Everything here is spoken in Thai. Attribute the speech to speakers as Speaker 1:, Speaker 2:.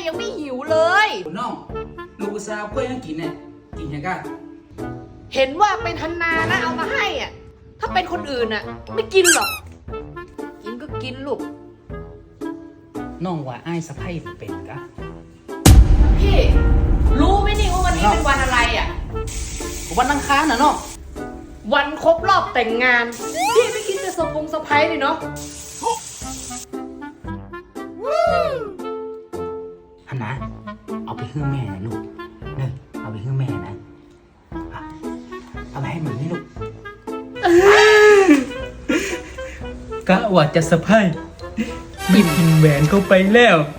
Speaker 1: ยังไม่หิวเลย
Speaker 2: น้องลูกสาวเพื่อนยังกินเนี่ยกินยังกัน
Speaker 1: เห็นว่าเป็นธันนานะเอามาให้อ่ะ ถ้าเป็นคนอื่นอ่ะ ไม่กินหรอก กินก็กินลูก
Speaker 2: น้องว่าไอ้ายสะใภ้เป็นกะ
Speaker 1: พี่ รู้ไหมนี่ว่าวันนี้เป็นวันอะไรอ่ะ
Speaker 2: วันอังคารนะน้อง
Speaker 1: วันครบรอบแต่งงาน พี่ไม่คิดจะเซอร์ไพรส์เลยเนาะ
Speaker 2: ฮันนะเอาไปให้แม่นะลูกเนอะเอาไปให้แม่นะอ่ะเอาไปให้มันนี่ลูกกะว่าจะสะพายไม่กินแหวนเข้าไปแล้ว